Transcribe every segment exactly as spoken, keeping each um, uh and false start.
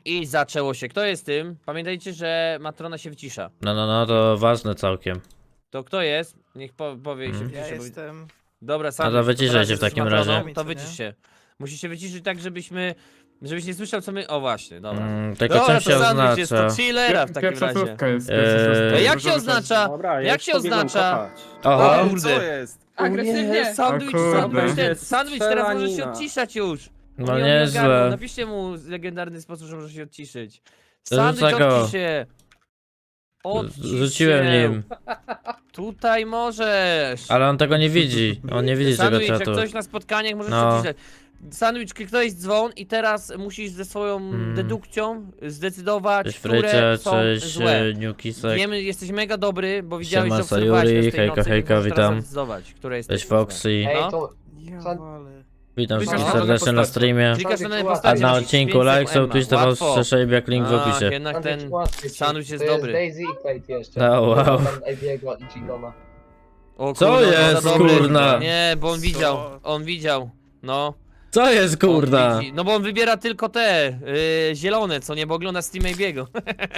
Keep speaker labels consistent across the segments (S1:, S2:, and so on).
S1: I zaczęło się. Kto jest tym? Pamiętajcie, że matrona się wycisza.
S2: No, no, no, to ważne całkiem.
S1: To kto jest? Niech po, powie i się
S2: Mhm.
S1: wyciszy.
S3: Ja
S1: bo-
S3: jestem...
S1: Dobra,
S2: No
S1: sam.
S2: to wyciszaj się w takim razie.
S1: To wycisz się. Musisz się wyciszyć tak, żebyśmy... Żebyś nie słyszał, co my... O właśnie, dobra.
S2: Mm, tylko
S1: Dobra,
S2: czym się
S1: to sandwich jest, to
S2: oznacza?
S1: chillera w takim
S4: Pierwsza
S1: razie.
S4: słówka jest.
S2: Eee,
S4: Pierwsza słówka.
S1: E, jak
S4: Dużo
S1: się
S4: wystarczy.
S1: oznacza?
S5: Dobra, ja
S1: Jak
S5: już
S1: się
S5: pobiegłem
S1: oznacza?
S5: kopać.
S2: Oho,
S1: O kurde.
S5: Co jest?
S1: Nie, sandwich,
S4: O kurde.
S1: sandwich, ten,
S5: Jest
S1: sandwich, teraz możesz się
S5: strzelanina.
S1: odciszać już.
S2: no
S1: On nie ogarnął.
S2: nieźle.
S1: Napiszcie mu legendarny sposób, że może się odciszyć.
S2: To
S1: Sandwich,
S2: rzuca go.
S1: odcisz się. Odcisz
S2: Rzuciłem
S1: się.
S2: nim.
S1: Tutaj możesz.
S2: Ale on tego nie widzi. On nie widzi tego
S1: Sandwich, jak
S2: czatu.
S1: ktoś na spotkaniach możesz
S2: No.
S1: się odciszać. Sandwich, kliknąłeś dzwon i teraz musisz ze swoją
S2: Mm.
S1: dedukcją zdecydować,
S2: Cześć
S1: które
S2: Frycie,
S1: są
S2: cześć
S1: złe.
S2: e, Newkisek.
S1: Wiemy, jesteś mega dobry, bo widziałeś,
S2: Siema,
S1: że obserwowałeś
S2: Sayuri,
S1: nas tej
S2: hejka,
S1: nocy,
S2: hejka,
S1: więc możesz teraz
S2: witam.
S1: zdecydować, które jest
S2: Cześć
S1: złe.
S2: Foxy.
S1: No.
S6: Ej, to
S3: Ja
S6: San-
S3: walę.
S2: Witam
S1: Klikasz
S2: wszystkich
S1: na
S2: serdecznie na
S1: postać.
S2: streamie.
S1: Klikasz na danej
S6: A
S2: A
S1: postaci,
S2: na
S1: masz
S2: odcinku
S1: więcej
S2: like, so please to
S1: Łatwo.
S2: was przeszej jak link w
S1: Ach,
S2: opisie.
S1: jednak
S6: Sandwich
S1: ten...
S6: łatwiej,
S1: sandwich jest
S6: to
S1: dobry.
S6: Daisy i Kate jeszcze.
S2: No, wow.
S6: Tam Ebiego i Gigona.
S1: O
S2: Co
S1: kurde, on
S2: jest,
S1: za dobry.
S2: kurna?
S1: Nie, bo on
S3: Co?
S1: widział, on widział, no.
S2: Co jest kurda?
S1: On widzi. No bo on wybiera tylko te, y, zielone, co nie, bo ogląda Steam Biego.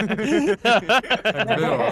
S4: Tak było.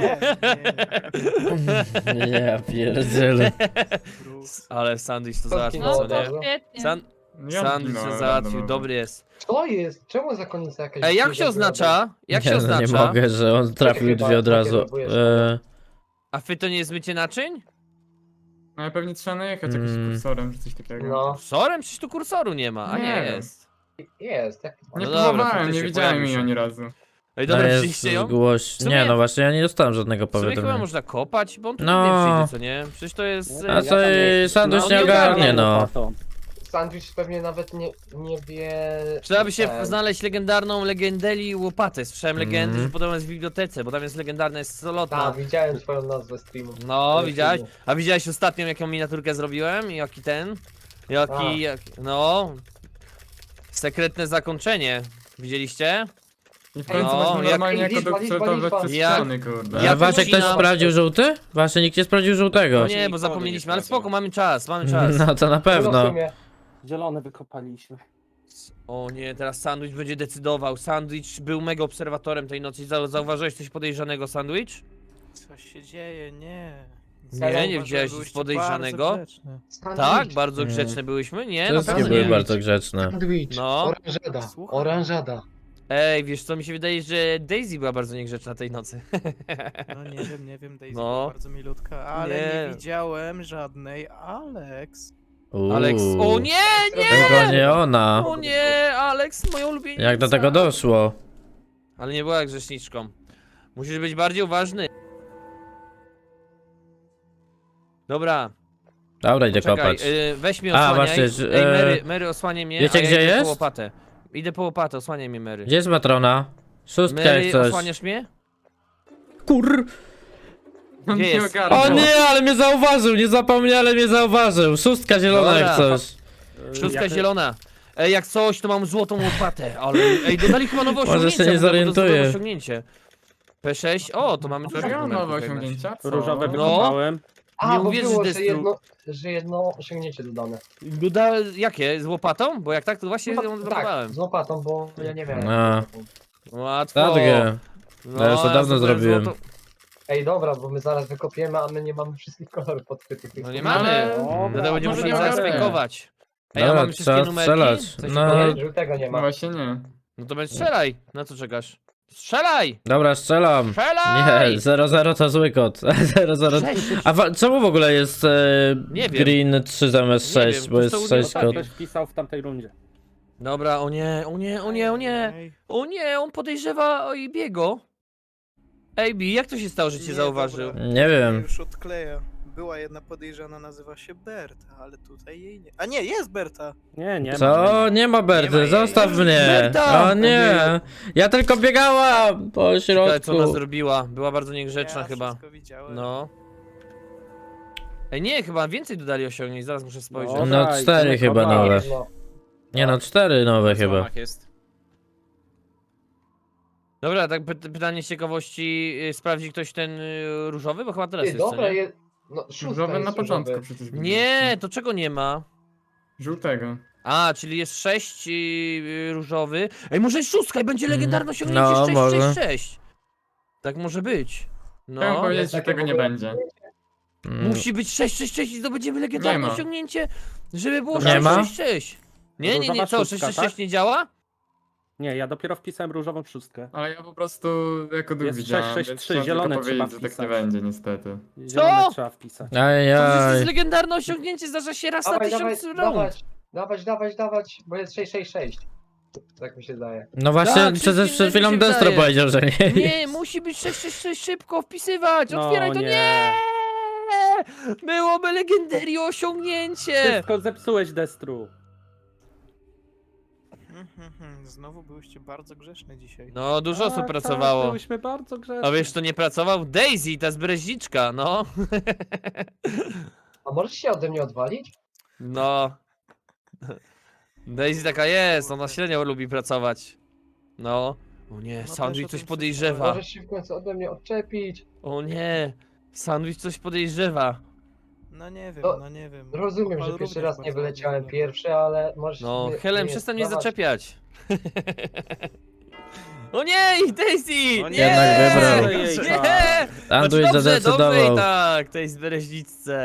S2: Ja pierdzielę.
S1: Ale sandwich to
S6: Co
S1: załatwił,
S6: zginęło
S1: co
S6: od
S1: nie?
S6: razu?
S7: Świetnie.
S1: San
S4: Ja
S1: sandwich
S4: zginąłem
S1: się załatwił,
S4: randomowo.
S1: dobry jest.
S6: Co jest? Czemu zakonnica jakaś...
S1: Ej, jak się
S6: dziwna
S1: oznacza? Jak
S2: nie,
S1: się
S2: no nie
S1: oznacza?
S2: mogę, że on trafił
S6: Chyba
S2: dwie od razu.
S6: nakierowujesz
S2: E,
S1: A wy to nie jest mycie naczyń?
S4: No ale pewnie trzeba najechać jakimś
S2: Mm.
S4: kursorem czy coś takiego.
S6: No,
S1: Kursorem? Przecież tu kursoru nie ma, a nie,
S4: Nie wiem.
S1: jest.
S6: jest. Jak...
S4: Nie
S1: No dobra,
S4: próbowałem,
S1: faktycznie
S4: nie widziałem
S1: pojawił
S4: jej
S1: się.
S4: ani razu.
S1: Ej,
S2: to
S1: dobra,
S2: jest
S1: przyjście ją?
S2: głoś...
S1: W sumie-
S2: Nie, no właśnie, ja nie dostałem żadnego
S1: W sumie chyba
S2: powiadomienia.
S1: można kopać, bo on tu
S2: No.
S1: nie przyjdzie, co nie? Przecież to jest...
S2: A
S1: e,
S2: co i sandwich
S1: no,
S2: nie
S1: nie
S2: ogarnie,
S1: ogarnia.
S2: no.
S6: Sandwich pewnie nawet nie, nie wie...
S1: Przydałaby się
S6: ten.
S1: znaleźć legendarną legendeli łopatę. Słyszałem legendy,
S2: Mhm.
S1: że podobno jest w bibliotece, bo tam jest legendarna, jest solotna.
S6: Tak, widziałem twoją nazwę streamu.
S1: No,
S6: Ale
S1: widziałeś?
S6: filmu.
S1: A widziałeś ostatnią, jaką miniaturkę zrobiłem? Jaki ten?
S6: A.
S1: Jaki, jak, no... Sekretne zakończenie. Widzieliście?
S4: I w końcu
S1: No,
S4: można
S1: jak-
S4: normalnie jako
S6: liczba, liczba,
S4: doktor
S6: liczba.
S4: przez
S1: Jak-
S4: ściany, kurde.
S1: jak
S2: A Waszek ktoś
S1: ucinam-
S2: sprawdził żółty? Właśnie nikt nie sprawdził żółtego.
S1: No nie, bo zapomnieliśmy, ale spoko, mamy czas, mamy czas.
S2: No to na
S6: No w
S2: pewno.
S6: sumie.
S5: Zielone wykopaliśmy.
S1: O nie, teraz Sandwich będzie decydował. Sandwich był mega obserwatorem tej nocy. Zau- Zauważyłeś coś podejrzanego, Sandwich?
S3: Co się dzieje? Nie.
S1: Nie, nie
S3: Zauważyłem,
S1: widziałeś nic
S3: byłyście
S1: podejrzanego?
S3: bardzo grzeczne.
S6: Sandwich.
S1: Tak, bardzo
S2: Mm.
S1: grzeczne byłyśmy? Nie, na
S2: Wszystkie
S1: pewno
S2: były
S1: nie.
S2: bardzo grzeczne.
S6: Sandwich.
S1: No.
S6: Oranżada.
S3: Słucham.
S6: Oranżada.
S1: Ej, wiesz co, mi się wydaje, że Daisy była bardzo niegrzeczna tej nocy.
S3: No nie wiem, nie wiem, Daisy
S1: No.
S3: była bardzo milutka, ale nie.
S1: Nie.
S3: widziałem żadnej Alex.
S2: Uuu.
S1: Alex, o nie,
S2: Tylko nie ona.
S1: o nie, Alex, moja ulubienica.
S2: Jak do tego doszło?
S1: Ale nie była grzeszniczką. Musisz być bardziej uważny. Dobra,
S2: Dobra, idę
S1: czekaj,
S2: kopać.
S1: y, weź mnie
S2: A,
S1: osłaniaj.
S2: właśnie, że-
S1: Ej,
S2: e,
S1: Mary, Mary osłaniaj mnie,
S2: wiecie,
S1: a ja
S2: gdzie
S1: idę po
S2: jest?
S1: łopatę. Idę po łopatę, osłaniaj mnie, Mary.
S2: Gdzie jest matrona? Szóstka
S1: Mary,
S2: jak coś.
S1: osłaniasz mnie?
S2: Kur...
S4: On
S1: Gdzie
S4: nie
S1: jest?
S4: ogarnął.
S2: O nie, ale mnie zauważył, nie zapomniał, ale mnie zauważył. Szóstka zielona jak
S1: Dobra.
S2: coś.
S1: Szóstka
S5: Jak-
S1: zielona. Ej, jak coś, to mam złotą łopatę, ale... Ej, dodali chyba nowe
S2: Może
S1: osiągnięcie.
S2: się nie
S1: bo to- bo to jest
S2: zorientuję.
S1: nowe osiągnięcie. P sześć, o, to mamy
S4: Serio?
S1: numerków
S4: Nowe
S1: jednak.
S4: osiągnięcia? Co?
S5: Różowe
S1: No.
S5: wykopałem.
S6: A,
S1: Nie
S6: bo
S1: uwierzysz,
S6: było, że
S1: Destru.
S6: jedno, że jedno osiągnięcie dodane.
S1: Doda... Jakie? Z łopatą? Bo jak tak, to właśnie ją
S6: tak,
S1: zblokowałem.
S6: z łopatą, bo ja nie wiem.
S2: A.
S1: Łatwo.
S2: Tadgie.
S1: No,
S2: Ja już to dawno
S1: sobie
S2: zrobiłem.
S1: złoto-
S6: Ej, dobra, bo my zaraz wykopiemy, a my nie mamy wszystkich kolorów podkrytych.
S1: No nie
S4: No,
S1: mamy.
S4: ale-
S1: Dlatego będziemy
S4: może
S1: musieli
S4: nie
S1: zaraz
S4: mamy.
S1: fejkować. Ej, a
S2: Dobra,
S1: mamy wszystkie
S2: trzeba
S1: numerki?
S2: strzelać.
S1: Coś
S2: No.
S1: no.
S6: Nie, żółtego nie
S4: No
S6: ma.
S4: właśnie nie.
S1: no to będzie strzelaj. Na co czekasz? Strzelaj!
S2: Dobra, strzelam.
S1: Strzelaj!
S2: Nie, zero zero to zły kod. zero zero.
S1: Sześć.
S2: A wa- czemu w ogóle jest e,
S1: Nie wiem.
S2: green trzy zamiast
S1: Nie
S2: sześć,
S1: wiem,
S2: bo
S1: to
S2: jest
S1: są
S2: sześć
S1: ostatnie.
S2: kod.
S5: Ktoś wpisał w tamtej rundzie.
S1: Dobra, o nie, o nie, o nie, o nie.
S3: Ej,
S1: O nie, on podejrzewa o Ibiego. Ej, Bi, jak to się stało, że cię
S3: Nie,
S1: zauważył?
S3: dobra.
S2: Nie wiem.
S3: Już odkleja. Była jedna podejrzana, nazywa się Berta, ale tutaj jej nie. A nie, jest Berta!
S5: Nie, nie ma.
S2: Co? Nie ma
S3: Nie ma
S2: Berty,
S3: jej.
S2: zostaw mnie.
S1: Berta!
S2: O nie. Ja tylko biegałam po
S1: Ciekawe, co ona
S2: środku.
S1: zrobiła. Była bardzo niegrzeczna
S3: ja
S1: chyba.
S3: wszystko widziałem.
S1: No. Ej, nie, chyba więcej dodali osiągnięć, zaraz muszę spojrzeć.
S2: No,
S5: daj,
S2: cztery
S5: to
S2: chyba
S5: kopać.
S2: nowe.
S6: No.
S2: Nie no, cztery nowe chyba.
S1: jest. Dobra, tak py pytanie z ciekawości, y, sprawdzi ktoś ten y, różowy? Bo chyba teraz
S6: Ty,
S1: jest, co
S6: dobra,
S1: nie?
S6: je... No, szóstka
S4: Różowe
S6: jest
S4: na początku
S6: różowy.
S4: przecież. byliśmy.
S1: Nie, to czego nie ma?
S4: Żółtego.
S1: A, czyli jest sześć yy, różowy. Ej, może jest szóstka i będzie legendarne osiągnięcie
S2: No,
S1: sześć
S2: może.
S1: sześć sześć. Tak może być.
S4: Chciałem
S1: No.
S4: powiedzieć,
S6: Jest
S4: że
S6: takie
S4: tego
S6: w
S4: nie
S6: ogóle-
S4: będzie.
S2: Mm,
S1: Musi być sześć sześć sześć i zdobędziemy legendarne
S4: Nie ma.
S1: osiągnięcie, żeby było
S2: Nie ma?
S1: sześć sześć sześć. Nie, nie, nie,
S5: Różowa
S1: co?
S5: szóstka,
S1: sześć sześć sześć
S5: tak?
S1: nie działa?
S5: Nie, ja dopiero wpisałem różową szóstkę.
S4: Ale ja po prostu jako dół
S5: Jest
S4: widziałem,
S5: sześć sześć
S4: więc
S5: trzy,
S4: chciałem tylko
S5: zielone
S4: powiedzieć,
S5: trzeba
S4: że tak nie
S5: wpisać.
S4: będzie niestety.
S5: Zielone trzeba wpisać.
S1: To przecież to
S2: Ajaj.
S1: jest legendarne osiągnięcie, zdarza się raz na
S6: Dawaj, dawaj,
S1: tysiąc rund.
S6: dawać, dawać, dawać, dawać, bo jest sześć sześć sześć. Tak mi się zdaje.
S2: No właśnie,
S1: Tak,
S2: przecież
S1: wszystkim
S2: przed chwilą
S1: mi się
S2: Destro
S1: wydaje.
S2: powiedział, że nie.
S1: Nie, musi być sześć sześć sześć, szybko wpisywać,
S5: No
S1: otwieraj to, nie!
S5: nie.
S1: Byłoby legendario osiągnięcie!
S5: Wszystko zepsułeś, Destru.
S3: Mhm, mhm. Znowu byłyście bardzo grzeczne dzisiaj.
S1: No, dużo osób
S5: Tak,
S1: pracowało.
S5: Tak, byliśmy bardzo grzeczni.
S1: A wiesz, to nie pracował? Daisy, ta zbreźniczka, no.
S6: A możesz się ode mnie odwalić?
S1: No. Daisy taka jest, ona średnio lubi pracować. No. O nie,
S3: No
S1: Sandwich
S3: też o
S1: coś
S3: tym
S1: podejrzewa.
S6: Możesz się w końcu ode mnie odczepić?
S1: O nie, Sandwich coś podejrzewa.
S3: No nie wiem,
S6: No,
S3: no nie wiem.
S6: Rozumiem,
S3: Opal
S6: że pierwszy
S3: również
S6: raz nie
S3: bardzo
S6: wyleciałem
S3: ładnie
S6: pierwszy, ale możesz...
S1: No,
S6: mnie-
S1: Helen,
S6: mnie
S1: przestań mnie
S6: dawać.
S1: zaczepiać. O nie, Daisy!
S3: O
S1: nie!
S3: nie,
S2: Jednak wybrał.
S5: Jej,
S1: Nie!
S2: Sandwich
S1: Znaczy, dobrze, dobrze
S2: zadecydował.
S1: i tak, tej zbereźniczce.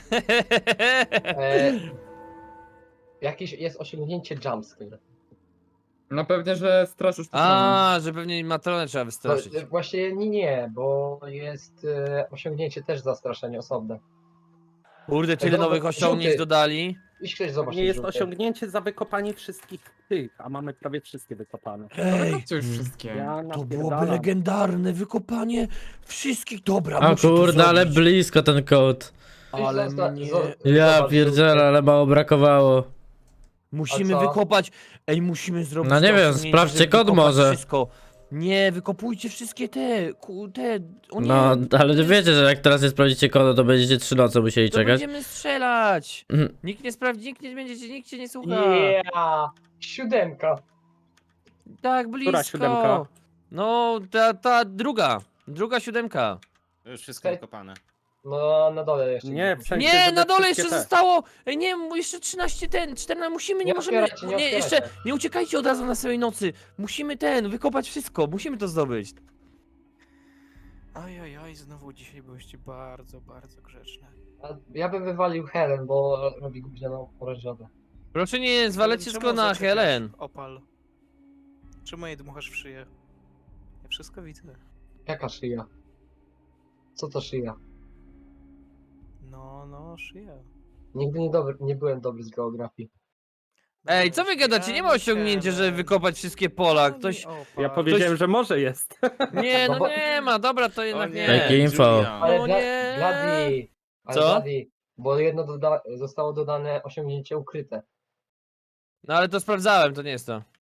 S6: E, jakieś jest osiągnięcie jumpscare.
S4: No pewnie, że straszysz to
S1: A, że pewnie matronę trzeba
S6: No,
S1: wystraszyć.
S6: e, właśnie nie, nie, bo jest e, osiągnięcie też zastraszenie osobne.
S1: Kurde, tyle
S6: Dobra,
S1: nowych osiągnięć
S6: żółty.
S1: dodali.
S6: Iść ktoś zobacz.
S5: Nie
S6: ten
S5: jest
S6: żółty.
S5: osiągnięcie za wykopanie wszystkich tych, a mamy prawie wszystkie wykopane.
S1: Ej,
S4: Róbcie już wszystkie.
S5: Ja
S1: to byłoby
S5: napierdalam.
S1: legendarne wykopanie wszystkich. Dobra,
S2: O
S1: muszę to
S2: kurde, ale
S1: zrobić.
S2: blisko ten kod.
S6: Ktoś
S1: ale
S6: zosta-
S1: mnie-
S6: zo-
S2: Ja
S6: zobacz,
S2: pierdzielę,
S6: żółty.
S2: ale mało brakowało.
S1: Musimy
S6: A co?
S1: wykopać. Ej, musimy zrobić.
S2: No nie
S1: to
S2: wiem,
S1: osiągnięcie,
S2: sprawdźcie
S1: żeby
S2: kod
S1: wykopać
S2: może.
S1: Wszystko. Nie, wykopujcie wszystkie te. Ku, te. O nie,
S2: No, ale wiecie, że jak teraz nie sprawdzicie kodu, to będziecie trzy noce musieli
S1: to
S2: czekać.
S1: będziemy strzelać.
S2: Mhm.
S1: Nikt nie sprawdzi, nikt nie będzie, nikt cię nie słucha.
S6: Yeah! Siódemka.
S1: Tak, blisko.
S5: Która siódemka?
S1: No, ta, ta druga. Druga siódemka.
S7: Już wszystko
S6: Okej.
S7: wykopane.
S6: No na dole jeszcze.
S5: Nie, w sensie,
S1: Nie,
S5: żeby
S1: na dole
S5: wszystkie
S1: jeszcze
S5: te.
S1: zostało. Ej, nie, mu jeszcze trzynaście ten, czternaście, musimy, nie,
S6: Nie
S1: możemy.
S6: otwierajcie, nie
S1: nie,
S6: otwierajcie.
S1: jeszcze nie uciekajcie od razu na samej nocy. Musimy ten, wykopać wszystko, musimy to zdobyć.
S3: Oj, oj, oj, znowu dzisiaj byłyście bardzo, bardzo grzeczne.
S6: A ja bym wywalił Helen, bo robi gównianą orężadę.
S1: Proszę nie zwalać
S3: Czemu
S1: wszystko na
S3: zaczepiasz,
S1: Helen.
S3: Opal. Czemu jej dmuchasz w szyję? Ja wszystko widzę.
S6: Jaka szyja? Co to szyja?
S3: No, no, szyja.
S6: Nigdy nie, dobry, nie byłem dobry z geografii.
S1: Ej, co wy gadacie? Nie ma osiągnięcia, żeby wykopać wszystkie pola. Ktoś.
S5: Ja powiedziałem, że może jest.
S1: Nie,
S6: No
S1: no
S6: bo-
S1: nie ma, dobra, to
S7: O
S1: jednak
S7: nie,
S1: nie.
S2: Takie info.
S7: Julian.
S6: Ale
S1: No
S6: dla,
S1: nie.
S6: Bladi, ale
S1: Co?
S6: Bladi, bo jedno doda zostało dodane osiągnięcie ukryte.
S1: No ale to sprawdzałem, to nie jest to.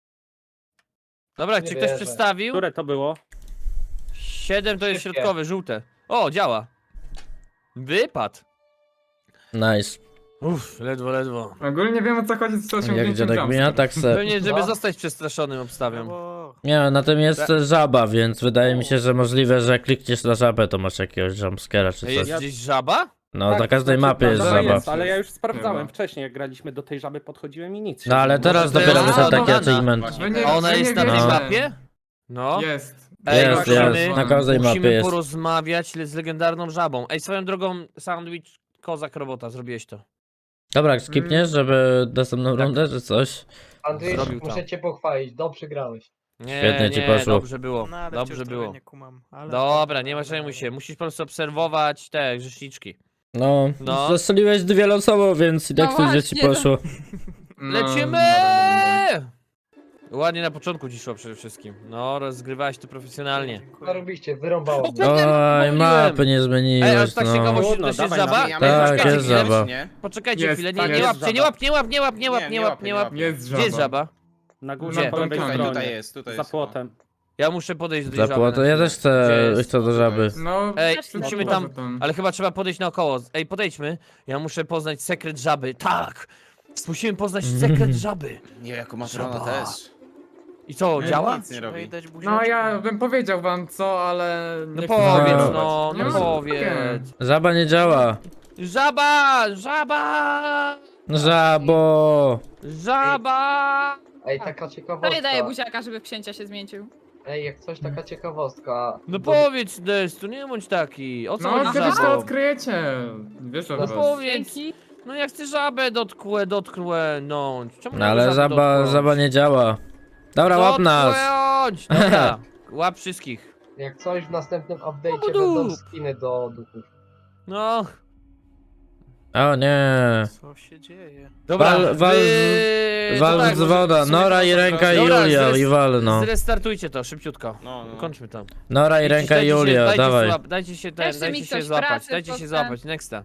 S1: Dobra,
S6: Nie
S1: czy ktoś
S6: wierzę.
S1: przedstawił?
S5: Które to było?
S1: siedem to jest
S6: Szybkie.
S1: środkowe, żółte. O, działa. Wypadł.
S2: Nice.
S1: Uff, ledwo, ledwo.
S4: Ogólnie wiem o co chodzi z tym
S2: Jak
S4: osiągnięciem
S2: dziadek
S4: jumpscare.
S2: mina, tak se.
S1: Pewnie, żeby
S6: No.
S1: zostać przestraszonym, obstawiam.
S3: Brawo.
S2: Nie, na tym jest
S1: Ta-
S2: żaba, więc wydaje mi się, że możliwe, że jak klikniesz na żabę, to masz jakiegoś jumpscare'a czy
S1: Ej, jest
S2: coś.
S1: gdzieś żaba?
S2: No,
S5: Tak,
S2: na każdej
S5: znaczy,
S2: mapie jest
S5: żaba
S2: żaba.
S5: Jest, ale ja już sprawdzałem
S4: Chyba.
S5: wcześniej, jak graliśmy do tej żaby, podchodziłem i nic. się
S2: No ale
S5: nie
S2: teraz
S1: Może
S2: dopiero
S1: teraz
S2: wyszedł taki
S1: załadowana.
S2: achievement.
S7: Właśnie.
S4: Wy nie-
S1: A ona
S4: wy
S1: jest
S4: nie
S1: na tej
S2: wiecie.
S1: mapie? No.
S4: Jest.
S1: Ej,
S2: Jest,
S1: musimy,
S2: jest, na każdej mapie
S1: musimy
S2: jest.
S1: porozmawiać z legendarną żabą. Ej, swoją drogą, sandwich, kozak, robota, zrobiłeś to.
S2: Dobra, skipniesz, żeby następną
S1: Tak.
S2: rundę czy coś?
S6: Andrzej,
S1: Zrobił to.
S6: muszę cię pochwalić, dobrze grałeś.
S1: Nie,
S2: Świetnie ci
S1: nie,
S2: poszło.
S1: dobrze było,
S3: No, ale
S1: dobrze
S3: wciąż
S1: było.
S3: trochę nie kumam. Ale
S1: Dobra, nie ma
S3: ale-
S1: przejmuj się, musisz po prostu obserwować te grzeszniczki.
S2: No,
S1: No.
S2: zastrzeliłeś dwie losowo, więc i tak
S1: No
S2: coś ci
S1: właśnie, no.
S2: poszło.
S4: No,
S1: Lecimy!
S4: dobra,
S1: Ładnie na początku ci szło przede wszystkim. No, rozgrywałeś to profesjonalnie.
S3: Dziękuję.
S6: Zarobiście, wyrąbało
S1: O,
S6: mnie.
S1: kurde,
S2: Oj,
S1: pomyliłem.
S2: mapy nie
S1: Ej, a
S2: zmieniłeś,
S1: tak
S2: no.
S1: ciekawość,
S5: Trudno,
S1: to jest
S5: dawaj,
S1: żaba?
S7: Zmieniamy
S2: Tak,
S7: poczekajcie
S2: jest
S7: chwilę,
S2: żaba.
S7: czy nie?
S1: Poczekajcie
S4: Jest,
S1: chwilę, nie,
S4: tak,
S1: nie
S4: jest
S1: łapcie, nie
S5: żaba.
S1: łap, nie łap, nie łap, nie łap,
S7: Nie,
S1: nie
S7: nie
S1: łap,
S7: łapię,
S1: nie
S7: nie
S1: łap.
S7: łapię.
S4: Jest
S1: Gdzie jest
S4: żaba.
S1: żaba?
S5: Na
S1: Gdzie?
S5: górze po lewej
S4: Tutaj,
S5: stronie.
S7: Tutaj jest, tutaj
S5: Za
S7: jest.
S5: płotem.
S1: Ja muszę podejść do tej
S2: Za
S1: żaby.
S2: płoto,
S1: na
S2: ja
S1: chwilę.
S2: też chcę,
S1: Gdzie jest?
S2: chcę do żaby.
S4: No,
S1: Ej,
S4: wszyscy
S1: musimy
S4: poza
S1: tam- Ale chyba trzeba podejść naokoło. Ej, podejdźmy. Ja muszę poznać sekret żaby. Tak! Musimy poznać sekret żaby.
S7: Nie, jako matrona
S1: Żaba.
S7: też.
S1: I co,
S7: Nie,
S1: działa?
S7: Nic nie
S3: Trzeba
S7: robi.
S3: jej dać
S4: No
S3: buziaczka.
S4: ja bym powiedział wam co, ale...
S1: No
S4: nie chcę
S1: powiedz,
S4: zdradzać.
S1: no,
S4: Nie
S1: no
S4: ma-
S1: powiedz.
S2: Żaba nie działa.
S1: Żaba! Żaba!
S2: Żabo!
S1: Żaba!
S6: Ej, taka ciekawostka.
S7: Daję, daję buziaka, żeby w księcia się zmienił.
S6: Ej, jak coś, taka ciekawostka.
S1: No
S6: Bo-
S1: powiedz, Destu, nie bądź taki. O co
S4: No,
S1: chodzi
S4: kiedyś to
S1: żabą?
S4: odkryjecie. Wiesz o
S1: No
S4: was.
S1: powiedz.
S7: Dzięki.
S1: No ja chcę żabę dotkłę, dotknąć. Czemu
S2: No
S1: nie
S2: ale
S1: żabę
S2: żaba,
S1: dotknąć?
S2: żaba nie działa. Dobra, łap nas!
S1: Dotknąć! Dobra, łap wszystkich.
S6: Jak coś w następnym update'cie
S1: Budu.
S6: będą skiny do duchów.
S1: No,
S2: O nie.
S3: Co się dzieje?
S1: dobra,
S2: Wal- wal
S1: wy...
S2: z-
S1: to
S2: Wal
S1: tak,
S2: z
S1: może
S2: woda,
S1: w sumie
S2: Nora
S1: to
S2: i
S1: są
S2: ręka
S1: trochę-
S2: i
S1: Dobra,
S2: Julia
S1: zres-
S2: i walno.
S1: Zrestartujcie to, szybciutko.
S8: No, no.
S1: Kończmy to.
S2: Nora i
S1: Idźcie,
S2: ręka i
S1: dajcie się-
S2: Julia,
S1: dajcie
S2: dawaj.
S1: Złap, dajcie się ten,
S7: Jeszcze
S1: dajcie
S7: mi
S1: się
S7: ktoś
S1: złapać,
S7: pracy
S1: dajcie się
S7: potem.
S1: złapać, nexta.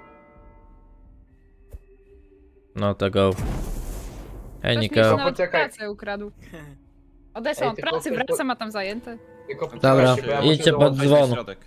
S2: No to go. Hej
S7: Ktoś mi się
S2: Nika.
S7: nawet
S6: Poczekaj.
S7: pracę ukradł. Odeszłam
S6: Ej,
S7: od
S6: tylko
S7: pracy,
S6: ktoś-
S7: wracam, a tam zajęte.
S6: Tylko
S2: Dobra,
S6: poczekajcie, bo ja muszę
S2: idźcie pod
S6: dołączyć.
S8: Weź na
S2: dzwon.
S8: środek.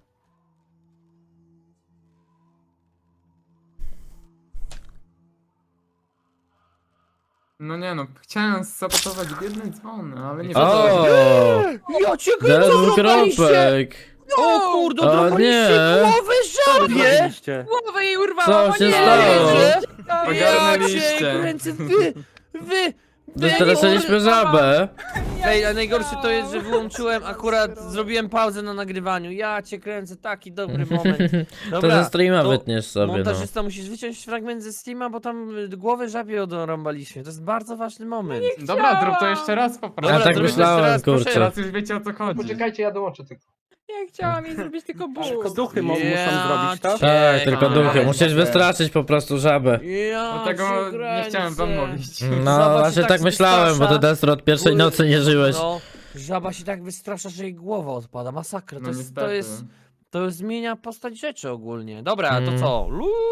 S4: No nie no, chciałem sabotować biedne dzwony, ale nie
S2: O!
S1: Ja cię
S2: Teraz
S1: drobaliście!
S2: dwukropek!
S1: O kurde,
S2: O
S1: drobaliście
S2: nie.
S1: głowę żabie!
S5: Zrobiliście.
S7: Głowę jej urwałam,
S2: Co
S7: o
S2: się
S7: nie!
S2: stało?
S1: wierzę.
S7: To
S1: Ja cię
S4: Ogarnęliście.
S1: kręcę, wy, wy, wy,
S2: Dostraciliśmy żabę.
S1: Ej, a najgorsze to jest, że wyłączyłem, akurat zrobiłem pauzę na nagrywaniu. Ja cię kręcę, taki dobry moment.
S2: To
S1: Dobra,
S2: ze streama
S1: to
S2: wytniesz sobie, no.
S1: montażysta, musisz wyciąć fragment ze streama, bo tam y, głowę żabie odrąbaliśmy. To jest bardzo ważny moment.
S4: Dobra, zrób to jeszcze raz po prostu.
S2: Ja tak
S1: zrobimy
S2: myślałem,
S1: jeszcze raz, proszę.
S2: kurczę.
S4: Teraz już wiecie o co chodzi.
S6: Poczekajcie, ja dołączę tylko.
S7: Ja chciałam jej zrobić tylko
S5: Tylko
S7: ból.
S5: duchy mo-
S1: Ja
S5: muszą zrobić to.
S1: cię
S2: Tak, tylko
S4: A,
S2: duchy.
S4: ale
S2: Musisz
S4: dobra.
S2: wystraszyć po prostu żabę.
S1: Ja
S4: Dlatego
S1: cię
S4: nie chciałem wam
S1: kręcę.
S4: mówić.
S2: No
S1: Żaba się
S2: właśnie
S1: tak
S2: tak myślałem, bo ty
S1: wystrasza.
S2: Destro od pierwszej
S1: Kurde,
S2: nocy nie żyłeś.
S1: No, żaba się tak wystrasza, że jej głowa odpada. Masakra. To,
S4: No
S1: jest,
S4: niestety.
S1: to jest. To zmienia postać rzeczy ogólnie. Dobra, to
S2: Mm.
S1: co?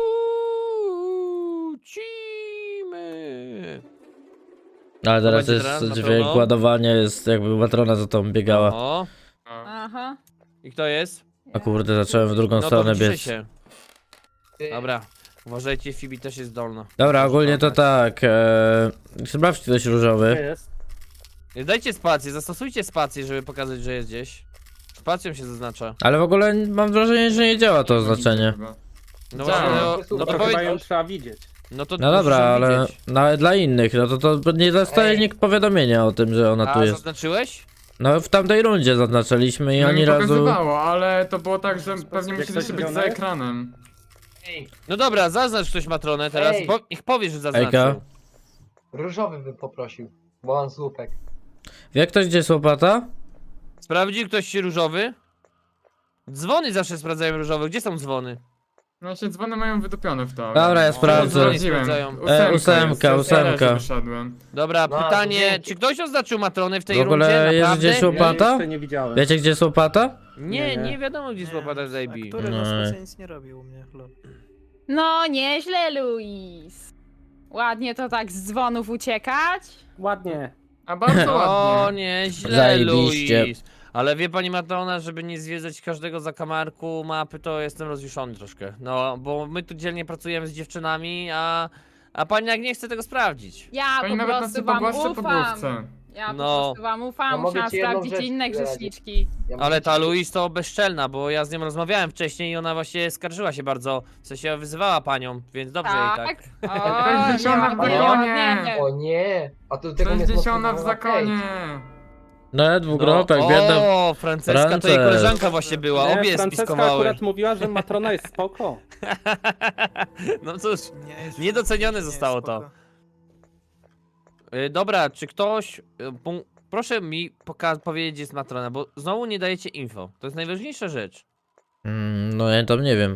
S1: Lucimy.
S2: Ale teraz
S1: będzie
S2: jest
S1: teraz,
S2: dźwięk
S1: Matrono?
S2: ładowania, jest jakby matrona za tą biegała.
S1: O,
S7: Aha.
S1: i kto jest?
S2: A kurde, zacząłem w drugą
S1: No to
S2: stronę
S1: wyciszę
S2: biec.
S1: się. Dobra. Uważajcie, Fibi też jest zdolna.
S2: Dobra, ogólnie to tak. E, sprawdź ktoś
S5: Gdzie
S2: różowy.
S5: jest?
S1: Dajcie spację, zastosujcie spację, żeby pokazać, że jest gdzieś. Spacją się zaznacza.
S2: Ale w ogóle mam wrażenie, że nie działa to oznaczenie.
S4: Chyba.
S1: No
S4: Działa.
S1: właśnie, no,
S6: No
S1: no
S5: No
S1: to
S5: to chyba ją
S1: powiedz.
S5: trzeba widzieć.
S1: No to
S2: No
S1: musisz
S2: dobra,
S1: ją
S2: ale
S1: widzieć.
S2: nawet dla innych, no to to nie dostaje
S6: Ej.
S2: nikt powiadomienia o tym, że ona tu
S1: A
S2: jest.
S1: zaznaczyłeś?
S2: No w tamtej rundzie zaznaczyliśmy i
S4: No
S2: ani
S4: mi
S2: razu...
S4: pokazywało, ale to było tak, że pewnie
S5: Jak
S4: musieliście
S5: coś
S4: być za
S5: zrobione?
S4: ekranem.
S6: Ej,
S1: No dobra, zaznacz ktoś matronę teraz.
S6: Ej.
S1: Po, niech powie, że zaznaczył.
S2: Ejka.
S6: różowy bym poprosił, bo mam słupek.
S2: Wie ktoś gdzie jest łopata?
S1: Sprawdził ktoś się różowy? Dzwony zawsze sprawdzają różowe. Gdzie są dzwony?
S4: No się dzwony mają wydupione w to. ale-
S2: Dobra, ja
S4: O,
S2: sprawdzę.
S4: Sprawdziłem.
S1: Sprawdzają.
S4: Ósemka,
S2: E, ósemka,
S4: jest, ja
S2: ósemka.
S4: też wyszedłem.
S1: Dobra,
S6: No,
S1: pytanie,
S6: dzięki.
S1: czy ktoś oznaczył matronę w tej
S2: W ogóle
S1: rundzie?
S2: jest
S1: Naprawdę?
S2: gdzieś
S5: Ja
S2: łopata?
S5: jeszcze nie widziałem.
S2: Wiecie gdzie jest łopata?
S1: Nie,
S5: Nie,
S1: nie,
S5: nie.
S1: wiadomo gdzie jest łopata z A B.
S3: A który
S2: No.
S3: na spacie nic nie robił u mnie, lol.
S7: No nieźle, Luis. Ładnie to tak z dzwonów uciekać.
S5: Ładnie.
S4: A bardzo
S1: O
S4: ładnie.
S1: nie, źle
S2: Zajebiście.
S1: Luis. Ale wie pani Matrona, żeby nie zwiedzać każdego zakamarku mapy, to jestem rozjuszony troszkę. No, bo my tu dzielnie pracujemy z dziewczynami, a, a pani jak nie chce tego sprawdzić.
S7: Ja
S4: Pani
S7: po
S4: nawet nas
S7: prostu
S4: nie
S7: wam
S4: pogłaszcza po
S7: ufam.
S4: główce.
S7: Ja
S1: No.
S7: po prostu wam
S6: A
S7: ufam,
S6: mogę
S7: musiałam
S6: ci jedną
S7: sprawdzić
S6: rzecz
S7: inne
S6: zdradzić?
S7: grzeszniczki.
S6: Ja
S1: Ale
S6: muszę
S1: ta
S6: ci-
S1: Louise to bezczelna, bo ja z nią rozmawiałem wcześniej i ona właśnie skarżyła się bardzo, w sensie wyzywała panią, więc dobrze jej tak.
S7: O,
S4: sześćdziesiąta w
S7: ładnie,
S4: zakonie.
S7: ładnie.
S6: O nie! A to do tego nie
S4: sześćdziesiąta w
S6: zmontowano
S4: zakonie.
S2: No, dwukropek,
S1: no,
S2: biedna...
S1: o, Franceska to jej
S2: Frances.
S1: koleżanka właśnie była,
S5: Nie,
S1: obie
S5: Franceska
S1: spiskowały.
S5: akurat mówiła, że matrona jest spoko.
S1: No cóż,
S3: Nie, jest-
S1: Niedocenione
S3: nie,
S1: zostało
S3: spoko.
S1: to. y, dobra, czy ktoś, y, pu- proszę mi poka- powiedzieć gdzie jest matrona, bo znowu nie dajecie info, to jest najważniejsza rzecz.
S2: Mm, no ja tam nie wiem.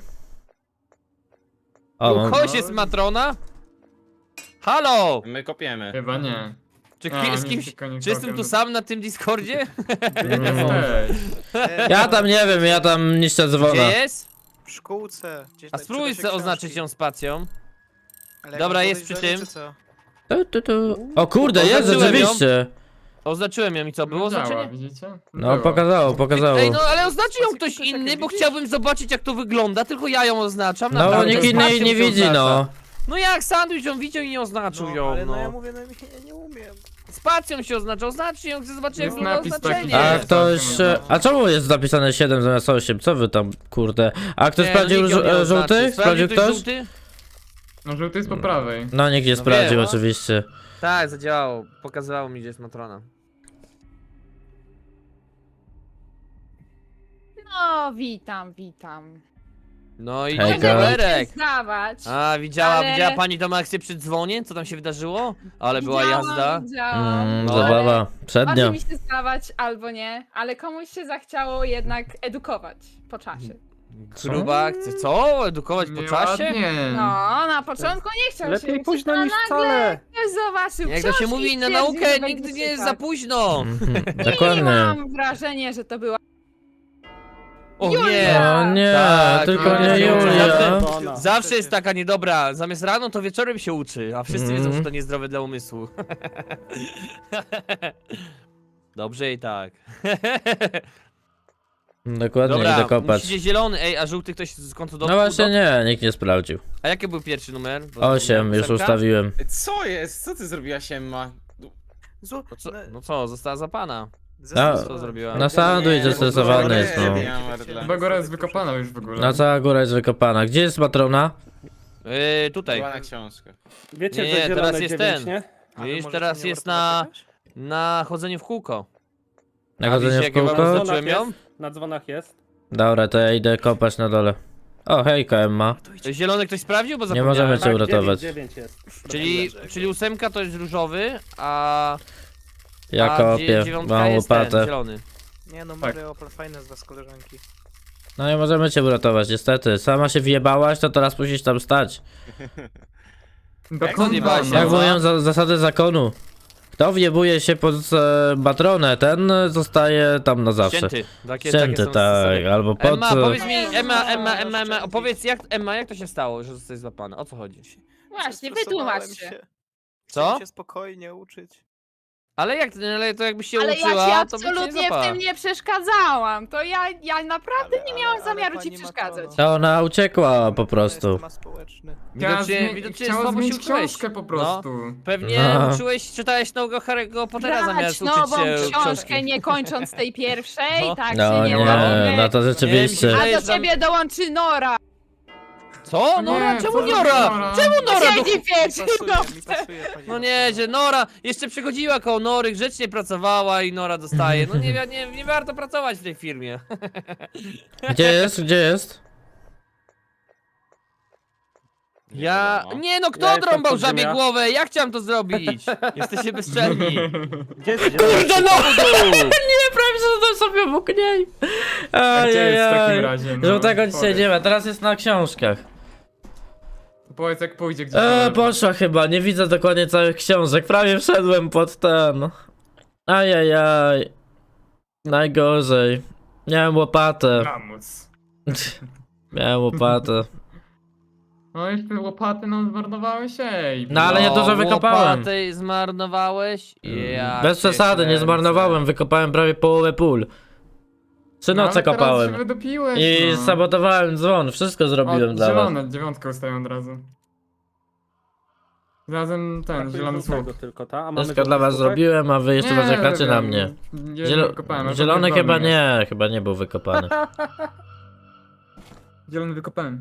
S2: O,
S1: U
S2: mam...
S1: kogoś jest matrona? Halo!
S8: My kopiemy.
S4: Chyba nie.
S1: Czy,
S4: A,
S1: ki- z
S4: nie,
S1: kimś,
S4: tylko nie
S1: czy jestem tu
S4: kopię.
S1: sam na tym Discordzie?
S4: Jesteś.
S3: E,
S2: Ja tam nie wiem, ja tam niszczę dzwona.
S1: Gdzie jest?
S3: W szkółce. Gdzieś
S1: A
S3: tak
S1: spróbuj
S3: czyta się
S1: sobie oznaczyć
S3: książki.
S1: ją spacją.
S3: Ale jak
S1: Dobra,
S3: mam
S1: jest przy
S3: podejrzenie,
S1: tym.
S3: czy co?
S2: Tu, tu, tu. O kurde, jest
S1: Oznaczyłem ją.
S2: rzeczywiście.
S1: Oznaczyłem ją i co, było
S4: No działa,
S1: oznaczenie?
S4: widzicie?
S2: No
S4: Było.
S2: pokazało, pokazało.
S1: Ej, no ale oznaczy ją ktoś
S3: Spację
S1: inny, bo
S3: widzisz?
S1: chciałbym zobaczyć jak to wygląda, tylko ja ją oznaczam.
S2: No
S1: naprawdę,
S2: nikt inny jej
S1: spacją
S2: nie
S1: się
S2: widzi,
S1: oznacza.
S2: no.
S1: No jak sandwich ją widział i nie oznaczył
S3: No,
S1: ją,
S3: ale no
S1: no.
S3: ja mówię, no ja nie umiem.
S1: Spacją się oznacza, oznaczcie ją, chcę zobaczyć jak
S4: Jest
S1: wygląda
S4: napis taki,
S1: oznaczenie.
S4: że-
S2: A
S4: Nie,
S2: ktoś...
S4: całkiem
S2: e,
S4: można.
S2: A czemu jest zapisane siedem zamiast osiem? Co wy tam, kurde? A ktoś
S1: Nie,
S2: sprawdził
S1: no, nikt ją
S2: żu-
S1: nie
S2: e,
S1: oznaczy.
S2: żółty? Sprawdził ktoś?
S1: żółty?
S4: No żółty jest po prawej.
S2: No nikt nie
S1: No
S2: sprawdził
S1: wiem.
S2: oczywiście.
S1: Tak, zadziałało. Pokazywało mi, gdzie jest matrona.
S7: No, witam, witam.
S1: No i
S2: Hejka.
S7: Mogę
S1: Galerek.
S7: zdawać.
S1: A, widziała,
S7: Ale-
S1: widziała pani tą akcję przy dzwonie? Co tam się wydarzyło? Ale była
S7: Widziałam,
S1: jazda.
S7: Widziałam.
S2: Mm,
S1: No.
S2: zabawa. Przednio.
S7: Może mi się zdawać albo nie, ale komuś się zachciało jednak edukować po czasie.
S1: Gruba akcja. Co? Edukować po czasie?
S4: Nieładnie.
S7: No, na początku nie chciał się
S5: Lepiej
S7: uczyć,
S5: późno
S7: a
S5: niż
S7: nagle
S5: wcale.
S7: ktoś zobaczył
S1: Jak to się
S7: książki
S1: mówi,
S7: i
S1: na
S7: stwierdził,
S1: naukę
S7: że
S1: nigdy
S7: będzie
S1: nie jest za
S7: czytać.
S1: późno.
S2: Mhm,
S7: I
S2: dokładnie.
S7: mam wrażenie, że to była
S1: O
S7: Julia!
S1: nie!
S2: O nie,
S1: Tak,
S2: tylko
S1: Julia
S2: nie
S1: się uczy.
S2: Julia.
S1: Zawsze, zawsze jest taka niedobra. Zamiast rano, to wieczorem się uczy, a wszyscy
S2: Mhm.
S1: wiedzą, że to niezdrowe dla umysłu. Dobrze i tak.
S2: Dokładnie,
S1: Dobra,
S2: idę kopać.
S1: musicie zielony. Ej, a żółty ktoś z końcu
S2: No
S1: dotknął?
S2: właśnie nie, nikt nie sprawdził.
S1: A jaki był pierwszy numer? Bo
S2: Osiem,
S1: zapomniałem.
S2: już
S1: Ósemka?
S2: ustawiłem.
S8: Co jest? Co ty zrobiłaś, Emma?
S3: Zło...
S1: No co,
S3: na-
S1: no co, została za pana.
S3: ze-
S2: A,
S1: Co zrobiła?
S2: Na sandwich
S8: Nie,
S2: zestresowany
S8: bo-
S2: jest, no.
S8: Nie wiem, Erdle.
S4: Chyba góra jest wykopana już w ogóle.
S2: Na cała góra jest wykopana. Gdzie jest matrona?
S1: Yy, tutaj.
S8: Była na książkę.
S5: Wiecie,
S1: Nie,
S5: że
S1: nie,
S5: zielone
S1: teraz jest
S5: dziewięć,
S1: ten.
S5: nie?
S3: Ale
S1: Widzisz,
S3: może
S1: teraz
S3: to nie
S1: jest
S3: warto
S1: na,
S3: zaczekać?
S1: na chodzenie w kółko.
S2: Na
S1: A
S2: chodzenie
S1: widzisz,
S2: w
S1: jakie wam
S2: kółko?
S1: oznaczyłem ją?
S5: Na dzwonach jest.
S2: Dobra, to ja idę kopać na dole. O, hejka Emma.
S3: To idź.
S1: Zielony ktoś sprawdził? Bo
S2: Nie
S1: zapomniałem.
S2: możemy cię
S5: Tak,
S2: uratować.
S5: dziewięć, dziewięć jest.
S1: Czyli, czyli ósemka to jest różowy, a,
S2: Ja
S1: a
S2: kopię,
S1: dzie- dziewiątka
S2: mam
S1: jest ten,
S2: łopatę.
S1: zielony.
S3: Nie no,
S4: Tak.
S3: Mario, Opel, fajne z was koleżanki.
S2: No nie możemy cię uratować, niestety. Sama się wjebałaś, to teraz musisz tam stać.
S4: Do
S8: Jak
S4: kąta,
S1: zjebałaś się?
S2: Jak
S1: No.
S2: mówią za, zasady zakonu. Kto wjebuje się pod e, matronę, ten zostaje tam na zawsze.
S1: Ścięty. Takie,
S2: Ścięty,
S1: takie są
S2: tak,
S1: zasady.
S2: albo pod...
S1: Emma,
S2: e,
S1: powiedz mi, Emma, Emma, Emma, Emma, opowiedz jak, Emma, jak to się stało, że zostałeś złapana? O co chodzi?
S7: Właśnie,
S3: Zestresowałem
S7: wytłumacz się.
S1: Co?
S3: Chciałem się spokojnie uczyć.
S1: Ale jak, ale to jakbyś się
S7: Ale
S1: uczyła,
S7: ja ci
S1: to by cię nie
S7: absolutnie w
S1: złapała.
S7: tym nie przeszkadzałam. To ja, ja naprawdę
S3: Ale-
S7: nie
S3: ale-
S7: miałam
S3: ale
S7: zamiaru ci
S3: pani
S7: przeszkadzać.
S3: Matrono.
S2: To ona uciekła po
S3: To
S2: prostu.
S3: jest temat społeczny.
S4: Chciała,
S1: Widocznie,
S4: zmie-
S1: widocznie
S4: chciała
S1: słabo się
S4: zmienić
S1: uczyłeś.
S4: książkę po prostu.
S1: Pewnie
S2: No.
S1: uczyłeś, czytałeś nowego Harry'ego Pottera
S7: Brać
S1: zamiast uczyć
S7: nową
S1: się
S7: książkę,
S1: książki.
S7: nie kończąc tej pierwszej,
S1: No.
S7: tak
S2: No
S7: się
S2: nie,
S7: nie robi.
S2: no to rzeczywiście.
S1: Nie,
S7: A
S1: jest
S7: do
S1: tam-
S7: ciebie dołączy Nora.
S1: Co? Nora?
S4: Nie,
S1: Czemu
S4: co za
S1: Nora?
S4: Nora?
S1: Czemu Nora? Do...
S7: Siedzi
S3: Mi
S7: pieczy,
S3: pasuje,
S7: no.
S3: mi pasuje, pani
S1: No nie, że Nora jeszcze przychodziła koło Nory, grzecznie pracowała i Nora dostaje. No nie, nie, nie warto pracować w tej firmie.
S2: Gdzie jest? Gdzie jest?
S1: Ja...
S8: wiadomo.
S1: Nie no, kto
S5: Ja jestem
S1: odrąbał
S5: pod
S1: żabie
S5: ziemia.
S1: głowę? Ja chciałem to zrobić. Jesteście bezczelni.
S5: Gdzie jest
S1: Kurde no!
S2: Nie, prawie że to sobie obok niej.
S4: A gdzie jest w takim
S2: Ajajaj.
S4: razie? No,
S2: Żółtego dzisiaj
S4: powiedz.
S2: nie ma, teraz jest na książkach.
S4: Powiedz jak pójdzie gdzieś.
S2: Eee, poszła chyba, nie widzę dokładnie całych książek, prawie wszedłem pod ten. Ajajaj. Najgorzej. Miałem łopatę.
S4: Lamus.
S2: Miałem łopatę.
S4: No już te łopaty nam zmarnowałeś, ej.
S2: No, ale ja dużo wykopałem.
S1: Łopatę zmarnowałeś? Ja
S2: Bez
S1: cię
S2: przesady, nie
S1: kręcę.
S2: zmarnowałem, wykopałem prawie połowę pól. Trzy
S4: No,
S2: noce
S4: ale teraz
S2: kopałem.
S4: się wydopiłeś,
S2: I
S4: no.
S2: sabotowałem dzwon, wszystko zrobiłem
S4: O,
S2: dla was.
S4: zielone, dziewiątkę ustawiam od razu. Razem ten,
S5: Brakuje
S4: zielony słup.
S5: żółtego tylko, ta? A mamy
S2: Wszystko dla
S5: żółty
S2: was
S5: słupek?
S2: zrobiłem, a wy jeszcze
S4: Nie,
S2: narzekacie na
S4: robiłem.
S2: mnie.
S4: Nie
S2: Zielo
S4: wykopałem, a
S2: zielony
S4: potem
S2: chyba
S4: wolny jest.
S2: nie, chyba nie był wykopany.
S4: Zielony wykopałem.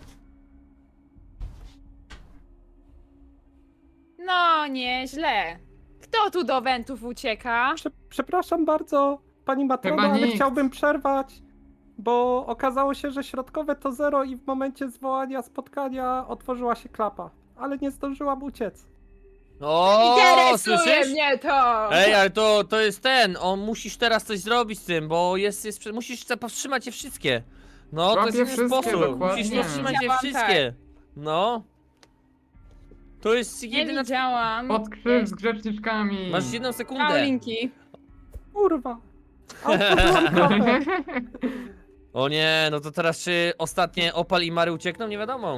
S7: No, nieźle. Kto tu do wentów ucieka?
S5: Prze przepraszam bardzo, pani matrona,
S4: Chyba
S5: ale
S4: nikt.
S5: chciałbym przerwać, bo okazało się, że środkowe to zero i w momencie zwołania spotkania otworzyła się klapa, ale nie zdążyłam uciec.
S1: O,
S7: Interesuje
S1: słyszysz?
S7: mnie to!
S1: Ej, ale to, to jest ten, on musisz teraz coś zrobić z tym, bo jest, jest musisz za- powstrzymać je wszystkie. No, to
S4: Łapię
S1: jest jeden
S4: wszystkie,
S1: sposób,
S4: dokładnie.
S1: musisz powstrzymać je
S7: Widziałam,
S1: wszystkie. No. To jest
S7: Nie
S1: jedyna...
S7: widziałam.
S4: Pod krzyż z grzeczniczkami.
S1: Masz jedną sekundę.
S7: Paulinki.
S5: Kurwa! A otworzyłam klapę.
S1: O nie, no to teraz czy ostatnie Opal i Mary uciekną? Nie wiadomo.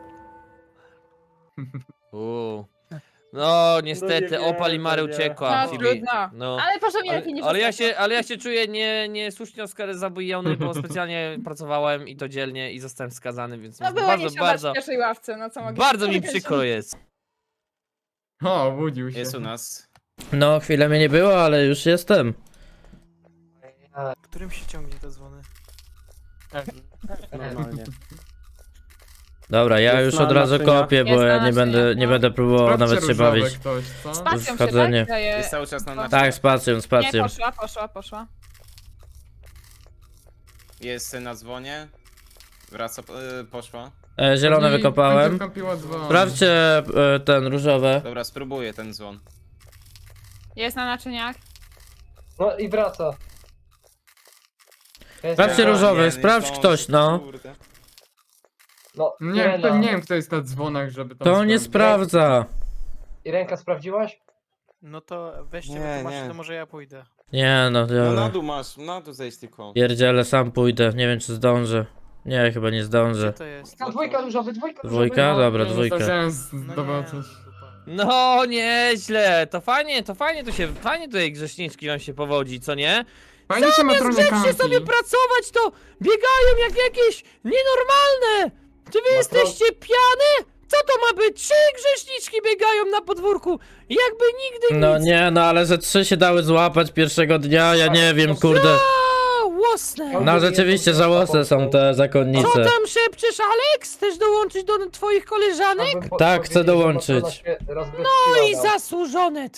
S1: Uuu. No, niestety,
S5: nie
S1: Opal i Mary
S5: wiem, to nie.
S1: uciekła.
S7: No,
S1: Phoebe.
S7: trudno.
S1: No.
S7: Ale proszę mi
S1: Ale,
S7: lepiej nie
S1: ale, ja
S7: przeszkadzać.
S1: się, ale ja się czuję nie, niesłusznie Oscar zabójony, bo specjalnie pracowałem i to dzielnie i zostałem skazany, więc
S7: No
S1: jest
S7: było
S1: bardzo,
S7: nie siadać
S1: bardzo,
S7: w pierwszej ławce, no co mogę
S1: bardzo mi
S7: powiedzieć?
S1: przykro jest.
S4: O, obudził się.
S8: Jest u nas.
S2: No, chwilę mnie nie było, ale już jestem.
S3: Którym się ciągnie te dzwony?
S5: Normalnie.
S2: Dobra, ja
S5: Jest
S2: już
S5: na
S2: od razu
S5: naczyniach.
S2: kopię, bo
S7: Jest na
S2: ja nie będę,
S7: naczyniach,
S2: nie
S7: no.
S2: będę próbował
S4: Sprawdźcie
S2: nawet się
S4: różowe
S2: bawić.
S4: ktoś, co?
S7: Spacją się,
S2: wchodzenie.
S7: tak? Daje-
S8: Jest cały czas na
S7: Tak,
S2: Tak, spacją,
S7: Nie,
S2: spacją.
S7: poszła, poszła, poszła.
S8: Jest na dzwonie. Wraca, y, poszła.
S2: E, zielone
S4: Pewnie
S2: wykopałem.
S4: będzie kampiła dzwon.
S2: Sprawdźcie e, ten różowe.
S8: Dobra, spróbuję ten dzwon.
S7: Jest na naczyniach.
S6: No i wraca. Jest
S2: Sprawdźcie
S6: wraca.
S2: różowy,
S8: nie, nie
S2: sprawdź
S8: zdążę,
S2: ktoś, no.
S8: kurde.
S6: No,
S4: Nie,
S6: Irena.
S4: kto, nie wiem kto jest na dzwonach, żeby tam
S2: To nie
S4: sprawdzić.
S2: sprawdza.
S6: Irenka, sprawdziłaś?
S3: No to weźcie
S8: Nie,
S3: wytłumaczcie,
S8: nie.
S3: to może ja pójdę.
S2: Nie no,
S8: No na
S2: dobra.
S8: dół masz, na dół zejść tylko.
S2: Pierdziele, sam pójdę. Nie wiem czy zdążę. Nie, chyba nie
S3: Gdzie
S2: zdążę.
S3: to jest?
S6: No, dwójka różowy, dwójka różowy.
S2: Dwójka?
S6: no.
S2: Dobra,
S4: Nie
S2: dwójka.
S4: zdążyłem
S3: No
S4: zobaczyć.
S3: nie, dupa.
S1: No, nieźle. To fajnie, to fajnie tu się, fajnie tutaj grzeszniczki nam się powodzi, co nie?
S4: Fajnie się matronie
S1: Grzecznie
S4: kampi.
S1: sobie pracować, to biegają jak jakieś nienormalne. Czy wy
S6: Matro-
S1: jesteście pijane? Co to ma być? Trzy grzeszniczki biegają na podwórku. Jakby nigdy
S2: No
S1: nic.
S2: nie, no ale ze trzy się dały złapać pierwszego dnia, ja nie wiem, kurde.
S1: A, łosne.
S2: No rzeczywiście żałosne są te
S1: Co
S2: zakonnice.
S1: tam szepczesz, Alex? Chcesz dołączyć do twoich koleżanek?
S6: Chciałbym po-
S2: Tak, chcę
S6: powiedzieć, że
S2: dołączyć.
S6: matrona się rozbezpieczała.
S1: No i zasłużone.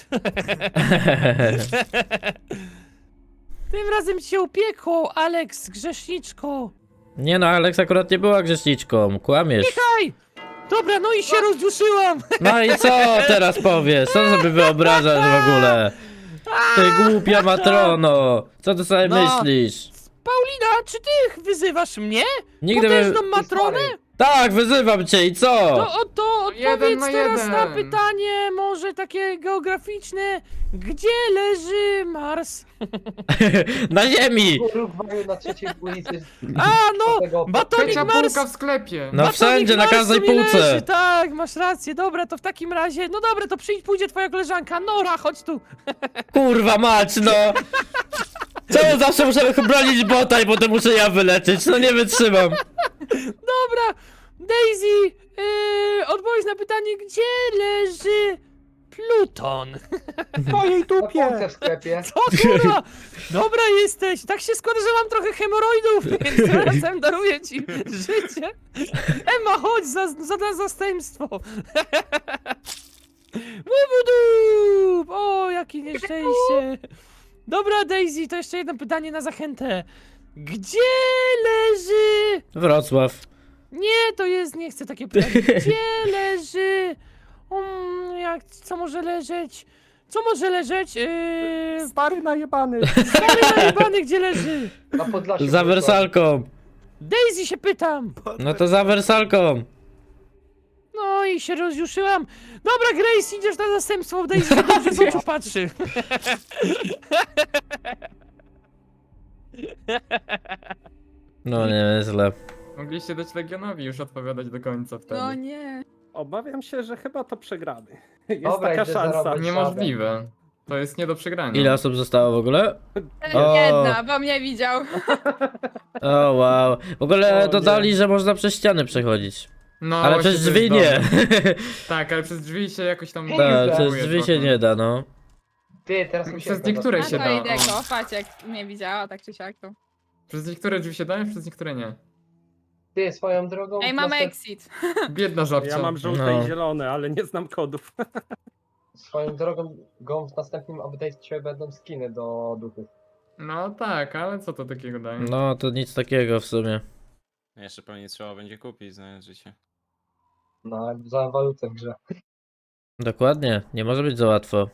S1: Tym razem cię upiekło, Alex, grzeszniczko.
S2: Nie no, Alex akurat nie była grzeszniczką, kłamiesz.
S1: Hej! Dobra, no i się rozduszyłam.
S2: No i co teraz powiesz? Co sobie wyobrażasz w ogóle? Ty głupia matrono! Co ty sobie
S1: No.
S2: myślisz?
S1: Paulina, czy ty wyzywasz mnie?
S2: Nigdy bym...
S1: Potężną matronę?
S2: Tak, wyzywam cię i co?
S1: To, o, to
S4: Jeden
S1: odpowiedz
S4: na
S1: teraz
S4: jeden.
S1: na pytanie, może takie geograficzne. Gdzie leży Mars?
S2: Na ziemi!
S6: Urugwaju na trzeciej ulicy.
S1: A, no,
S6: Tego-
S1: batonik
S4: Trzecia
S1: Mars.
S4: półka w sklepie.
S2: No
S1: Batonik
S2: wszędzie, na
S1: Marsu
S2: każdej
S1: mi
S2: półce.
S1: Leży, tak, masz rację, dobra, to w takim razie, no dobra, to przyjdź, pójdzie twoja koleżanka, Nora, chodź tu.
S2: Kurwa mać, no! Czemu zawsze muszę bronić bota i potem muszę ja wylecieć? No nie wytrzymam.
S1: Dobra, Daisy, yy, odpowiedz na pytanie, gdzie leży Pluton?
S5: W twojej
S6: Na półce
S5: dupie!
S6: w sklepie.
S1: Co kurwa? Dobra jesteś, tak się składa, że mam trochę hemoroidów, więc razem daruję ci życie. Emma, chodź za, za, za zastępstwo. Łubudup! O, jakie nieszczęście. Dobra, Daisy, to jeszcze jedno pytanie na zachętę. Gdzie leży...
S2: Wrocław.
S1: Nie, to jest, nie chcę takie pytanie. Gdzie leży... Um, jak, co może leżeć? Co może leżeć? Yy...
S5: Stary najebany!
S1: Stary najebany, gdzie leży?
S6: Na Podlasiu.
S2: Za wersalką.
S1: Daisy się pytam.
S2: No to za wersalką.
S1: No i się rozjuszyłam. Dobra, Grace, idziesz na zastępstwo, Daisy się dobrze w oczu patrzy.
S2: No nie, źle.
S4: Mogliście dać Legionowi już odpowiadać do końca wtedy.
S7: No nie.
S5: Obawiam się, że chyba to przegramy. Jest
S6: Dobra,
S5: taka
S6: idę
S5: szansa.
S6: zarobić.
S4: Niemożliwe. To jest nie do przegrania.
S2: Ile osób zostało w ogóle? O.
S7: Jedna, bo mnie widział.
S2: O wow. W ogóle
S5: O,
S2: dodali,
S5: nie.
S2: że można przez ściany przechodzić.
S4: No,
S2: Ale
S4: właśnie
S2: przez
S4: to
S2: drzwi
S4: jest
S2: nie.
S4: dobre. Tak, ale przez drzwi się jakoś tam...
S2: Tak,
S6: Tak,
S2: przez
S4: próbuje
S2: drzwi się
S4: trochę.
S2: nie da, no.
S6: Ty, teraz mi się
S4: Przez niektóre
S7: A
S4: się
S7: to
S4: da.
S7: idę
S4: o.
S7: go, patrz jak mnie widziała, tak czy siak to.
S4: Przez niektóre drzwi się da, przez niektóre nie.
S6: Ty, swoją drogą.
S7: Ej, mamy
S6: następ-
S7: exit.
S4: Biedna żabcia.
S5: Ja mam żółte
S2: No.
S5: i zielone, ale nie znam kodów.
S6: Swoją drogą go w następnym update'cie będą skiny do duchów.
S4: No tak, ale co to takiego daje?
S2: No to nic takiego w sumie.
S8: Jeszcze pewnie trzeba będzie kupić, znając życie.
S6: No, za walutę w grze.
S2: Dokładnie, nie może być za łatwo.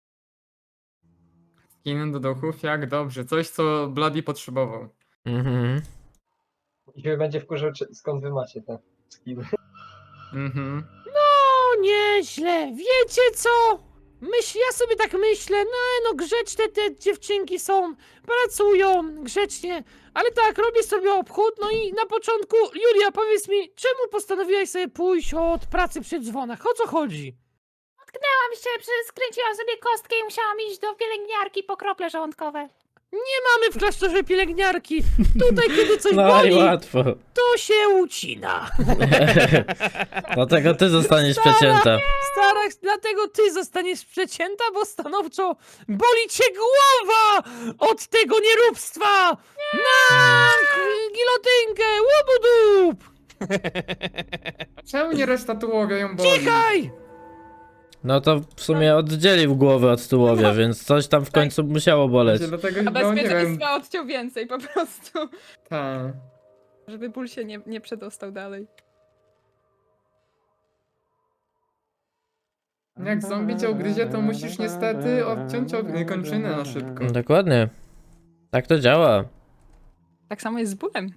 S4: Skiny do duchów, jak dobrze. Coś, co Bloody potrzebował.
S2: Mhm.
S6: I się będzie wkurzał, czy- skąd wy macie te skiny.
S4: Mhm.
S1: No nieźle, wiecie co? Myśl, ja sobie tak myślę, no, no grzeczne te dziewczynki są, pracują grzecznie, ale tak, robię sobie obchód, no i na początku, Julia, powiedz mi, czemu postanowiłaś sobie pójść od pracy przy dzwonach? O co chodzi?
S7: Tam się skręciłam sobie kostkę i musiałam iść do pielęgniarki po krople żołądkowe.
S1: Mamy w klasztorze pielęgniarki, tutaj kiedy coś
S2: No i
S1: boli,
S2: łatwo.
S1: to się ucina.
S2: Dlatego ty zostaniesz
S1: Stara.
S2: przecięta.
S1: Stara, dlatego ty zostaniesz przecięta, bo stanowczo boli cię głowa od tego nieróbstwa! Na k- gilotynkę, łubudup!
S4: Czemu nie reszta tułowia ją boli?
S1: Cichaj!
S2: No to w sumie oddzielił głowę od tułowia, więc coś tam w końcu musiało boleć.
S4: Właśnie Dlatego,
S7: A
S4: no nie wiem,
S7: bezpieczeństwa odciął więcej po prostu.
S4: ta.
S7: Żeby ból się nie, nie przedostał dalej.
S4: Jak zombie cię ugryzie, to musisz niestety odciąć og- kończynę na szybko.
S2: Dokładnie. Tak to działa.
S7: Tak samo jest z bólem.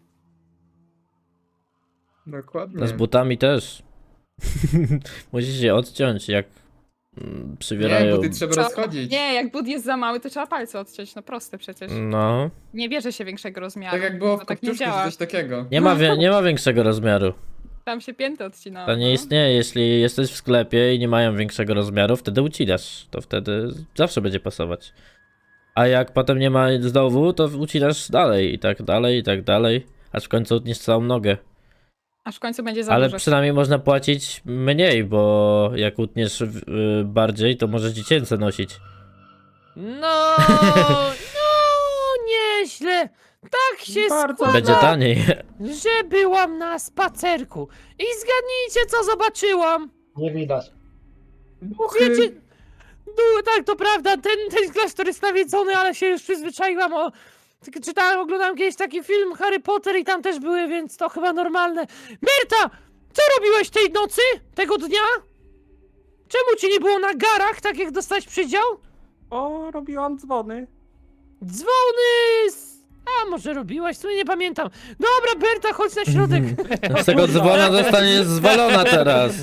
S4: Dokładnie.
S2: No z butami też. Musisz je odciąć, jak mm,
S4: Nie,
S2: przywierają.
S4: buty trzeba
S7: Co?
S4: rozchodzić.
S7: Nie, jak but jest za mały, to trzeba palce odciąć. No proste przecież.
S2: No.
S7: Nie bierze się większego rozmiaru.
S4: Tak jak było w
S7: to tak nie
S4: Kopciuszku, czy
S7: działa.
S4: coś takiego.
S2: Nie ma, wie, nie ma większego rozmiaru.
S7: Tam się pięty odcinało.
S2: To nie
S7: no.
S2: istnieje. Jeśli jesteś w sklepie i nie mają większego rozmiaru, wtedy ucinasz. To wtedy zawsze będzie pasować. A jak potem nie ma znowu, to ucinasz dalej i tak dalej, i tak dalej. Aż w końcu utniesz całą nogę.
S7: Aż w końcu będzie za
S2: Ale
S7: dużo.
S2: przynajmniej można płacić mniej, bo jak utniesz y, bardziej, to możesz dziecięce nosić.
S1: No, no, nieźle. Tak się
S5: Bardzo
S1: składa,
S2: Będzie taniej.
S1: że byłam na spacerku. I zgadnijcie, co zobaczyłam.
S6: Nie widać.
S1: Wiecie, no, tak, to prawda, ten, ten klasztor jest nawiedzony, ale się już przyzwyczaiłam. O, tylko czytałem, oglądałem kiedyś taki film Harry Potter i tam też były, więc to chyba normalne. Berta, co robiłeś tej nocy, tego dnia? Czemu ci nie było na garach, tak jak dostałeś przydział?
S5: O, robiłam dzwony.
S1: Dzwony! z- A, może robiłaś? W sumie nie pamiętam. Dobra, Berta, chodź na środek.
S2: Z tego dzwona zostanie zwalona teraz.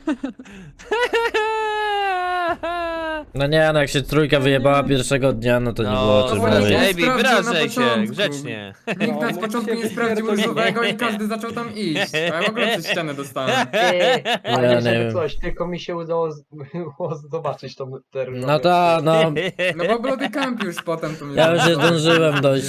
S2: No nie, no jak się trójka wyjebała pierwszego dnia, no to nie było o czym
S4: to
S2: mówić.
S4: właśnie-
S9: Ej,
S4: Sprawdził
S9: wyrażaj
S4: na
S9: się,
S4: początku.
S9: grzecznie.
S4: Nikt nas z
S5: No,
S4: początku
S5: musicie
S4: nie sprawdził
S5: pierdolić.
S4: różowego i każdy zaczął tam iść. A ja w ogóle przez ścianę dostałem.
S6: Ty,
S2: Ja
S6: ale
S2: nie
S6: żeby
S2: wiem.
S6: coś, tylko mi się udało, z, udało zobaczyć tą te różowe.
S2: No to, no.
S4: No bo Bloody Camp już potem to mi
S2: Ja już nie
S4: zaczął.
S2: zdążyłem dojść.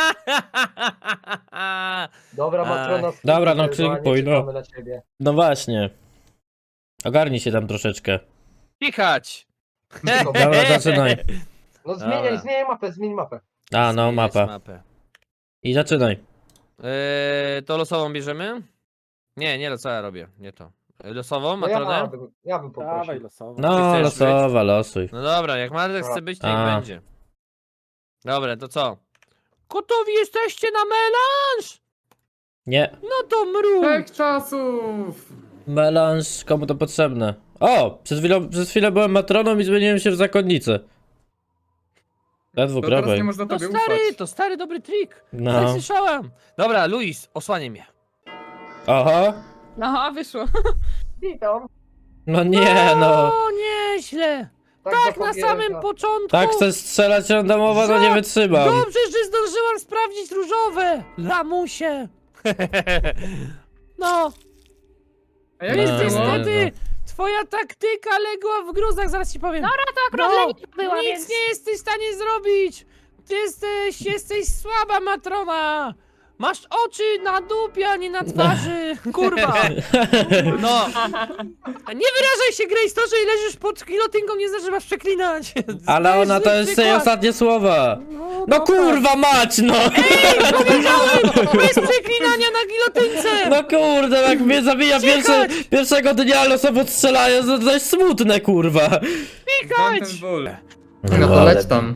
S6: Dobra, Matrona,
S2: Dobra, no,
S6: skipujemy,
S2: kliknij, no.
S6: czekamy na ciebie.
S2: No właśnie. Ogarnij się tam troszeczkę.
S9: Kichać!
S2: Dobra, zaczynaj.
S6: No zmieniaj,
S9: Dobra.
S6: zmieniaj mapę, zmień mapę.
S2: A, no,
S9: Zmieniać
S2: mapa.
S9: mapę.
S2: I zaczynaj.
S9: Eee, to losową bierzemy? Nie, nie, co ja robię, nie to. E, Losową,
S6: No ja,
S9: Matronę?
S6: bym, ja bym
S5: Dawaj
S6: poprosił.
S5: losowo.
S2: No,
S9: chcesz
S2: losowa, losuj.
S9: No dobra, jak Marek chce być, to niech
S2: A.
S9: będzie. Dobra, to co?
S1: Gotowi jesteście na melanż?
S2: Nie.
S1: No to mru.
S4: Pech czasów!
S2: Melanż, komu to potrzebne? O! Przez chwilę, przez chwilę byłem matroną i zmieniłem się w zakonnicę.
S4: To
S2: Ledwo
S4: teraz nie
S2: prawej.
S4: można
S1: To
S4: tobie
S1: stary,
S4: ufać.
S1: to stary dobry trik.
S2: No.
S1: No. Słyszałam.
S9: Dobra, Luis, osłaniaj mnie.
S2: Oho.
S7: No, wyszło.
S6: Witam.
S2: No nie, no.
S1: O, nieźle.
S6: Tak,
S1: Tak na
S6: zapomniałem,
S1: samym
S6: że-
S1: początku.
S2: Tak chcę strzelać randomowo, no nie
S1: Za-
S2: wytrzymam.
S1: Dobrze, że zdążyłam sprawdzić różowe. Lamusie. No,
S4: A jak
S2: No,
S4: to było?
S1: niestety, twoja taktyka legła w gruzach, zaraz ci powiem.
S7: Dobra, to akurat
S1: No,
S7: Lenka była,
S1: nic
S7: więc...
S1: nie jesteś w stanie zrobić. Ty jesteś, jesteś słaba, Matrona. Masz oczy na dupie, a nie na twarzy. Kurwa. No. Nie wyrażaj się, Grace, to, że leżysz pod gilotynką nie znaczy, że masz przeklinać.
S2: Ale
S1: To
S2: ona to
S1: zły
S2: jest jej
S1: przykład.
S2: ostatnie słowa.
S1: No,
S2: No
S1: dobra.
S2: kurwa mać, no!
S1: Bez przeklinania na gilotynce.
S2: No kurde, jak mnie zabija pierwsze, pierwszego dnia losowo strzelają, to to jest smutne, kurwa.
S4: Znam ten ból.
S2: No
S4: No to leć tam.